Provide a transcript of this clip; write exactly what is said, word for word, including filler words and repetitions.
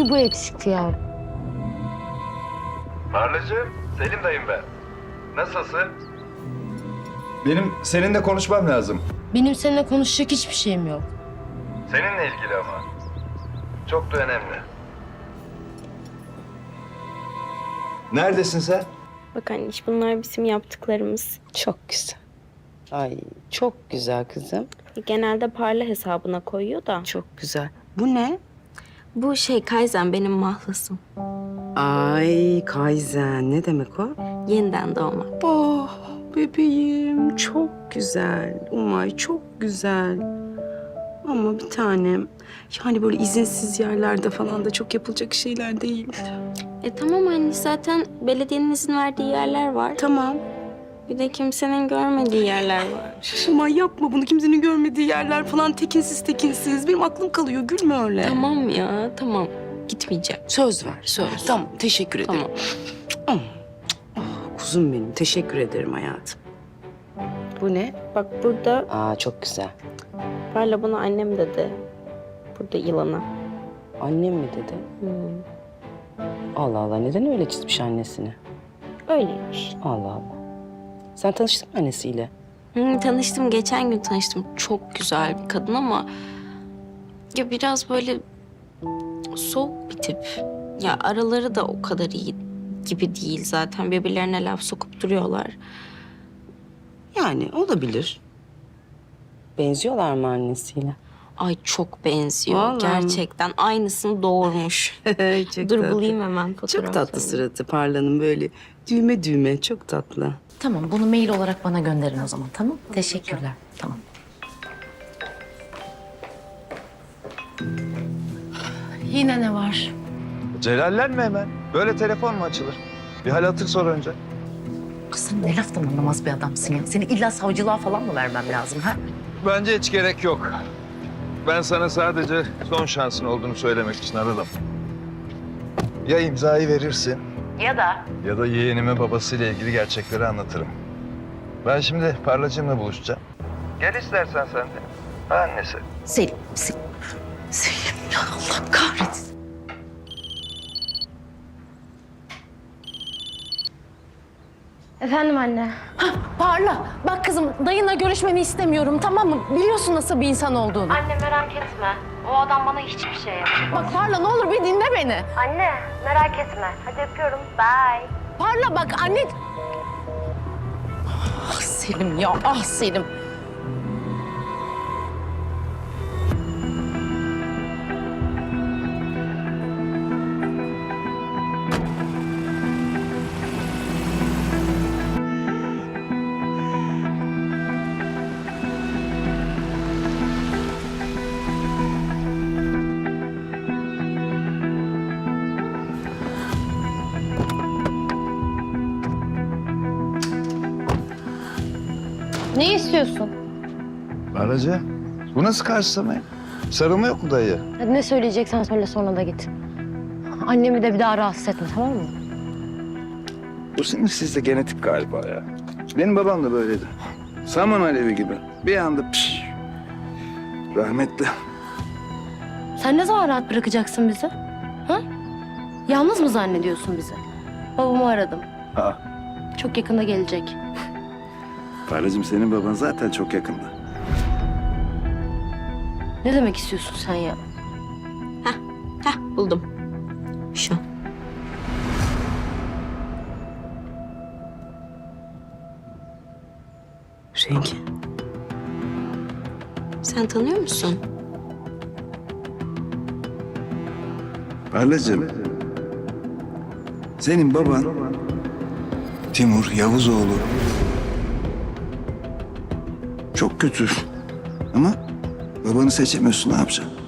Bir bu eksikti ya. Parlacığım, Selim dayım ben. Nasılsın? Benim seninle konuşmam lazım. Benim seninle konuşacak hiçbir şeyim yok. Seninle ilgili ama. Çok da önemli. Neredesin sen? Bak anneş, bunlar bizim yaptıklarımız. Çok güzel. Ay çok güzel kızım. Genelde Parla hesabına koyuyor da. Çok güzel. Bu ne? Bu şey Kaizen, benim mahlasım. Ay Kaizen. Ne demek o? Yeniden doğmak. Oh bebeğim çok güzel. Umay çok güzel. Ama bir tanem yani böyle izinsiz yerlerde falan da çok yapılacak şeyler değil. E tamam anne, zaten belediyenin izin verdiği yerler var. Tamam. Bir de kimsenin görmediği yerler var. Umay yapma bunu, kimsenin görmediği yerler falan, tekinsiz tekinsiz. Benim aklım kalıyor, gülme öyle. Tamam ya, tamam. Gitmeyeceğim. Söz ver, söz. Tamam, teşekkür ederim. Tamam. Oh, kuzum benim, teşekkür ederim hayatım. Bu ne? Bak burada Aa çok güzel. Parla bana annem dedi. Burada yılana. Annem mi dedi? Hmm. Allah Allah, neden öyle çizmiş annesini? Öyleymiş. Allah Allah. Sen tanıştın mı annesiyle? Hmm, tanıştım, geçen gün tanıştım. Çok güzel bir kadın ama... ya biraz böyle soğuk bir tip. Ya araları da o kadar iyi gibi değil zaten. Birbirlerine laf sokup duruyorlar. Yani olabilir. Benziyorlar mı annesiyle? Ay çok benziyor. Vallahi mi? Gerçekten aynısını doğurmuş. çok Dur bulayım hemen fotoğrafını. Çok tatlı suratı Parla'nın, böyle düğme düğme, çok tatlı. Tamam, bunu mail olarak bana gönderin o zaman, tamam? Teşekkürler, tamam. Yine ne var? Celallenme hemen. Böyle telefon mu açılır? Bir hal hatır sor önce. Kız sen ne laftan anlamaz bir adamsın ya. Seni illa savcılığa falan mı vermem lazım ha? Bence hiç gerek yok. Ben sana sadece son şansın olduğunu söylemek için aradım. Ya imzayı verirsin Ya da? ya da yeğenimin babasıyla ilgili gerçekleri anlatırım. Ben şimdi Parlacığımla buluşacağım. Gel istersen sen de. Ha annesi. Selim, Selim. Selim ya Allah kahretsin. Efendim anne. Parla, bak kızım dayınla görüşmeni istemiyorum, tamam mı? Biliyorsun nasıl bir insan olduğunu. Anne merak etme. O adam bana hiçbir şey yapmaz. Bak Parla ne olur bir dinle beni. Anne merak etme. Hadi öpüyorum. Bye. Parla bak anne... Ah Selim ya, ah Selim. Ne istiyorsun? Parlacı, bu nasıl karşılama? Sarılma yok mu dayı? Hadi ne söyleyeceksen söyle, sonra da git. Annemi de bir daha rahatsız etme, tamam mı? Bu senin sizde genetik galiba ya. Benim babam da böyleydi. Saman alevi gibi. Bir anda pş. Rahmetli. Sen ne zaman rahat bırakacaksın bizi? Ha? Yalnız mı zannediyorsun bizi? Babamı aradım. Ha. Çok yakında gelecek. Parlacığım, senin baban zaten çok yakında. Ne demek istiyorsun sen ya? Heh, buldum. Şu. Rengi. Sen tanıyor musun? Parlacığım, senin baban Timur Yavuzoğlu. Çok kötü. Ama babanı seçemiyorsun, ne yapacaksın?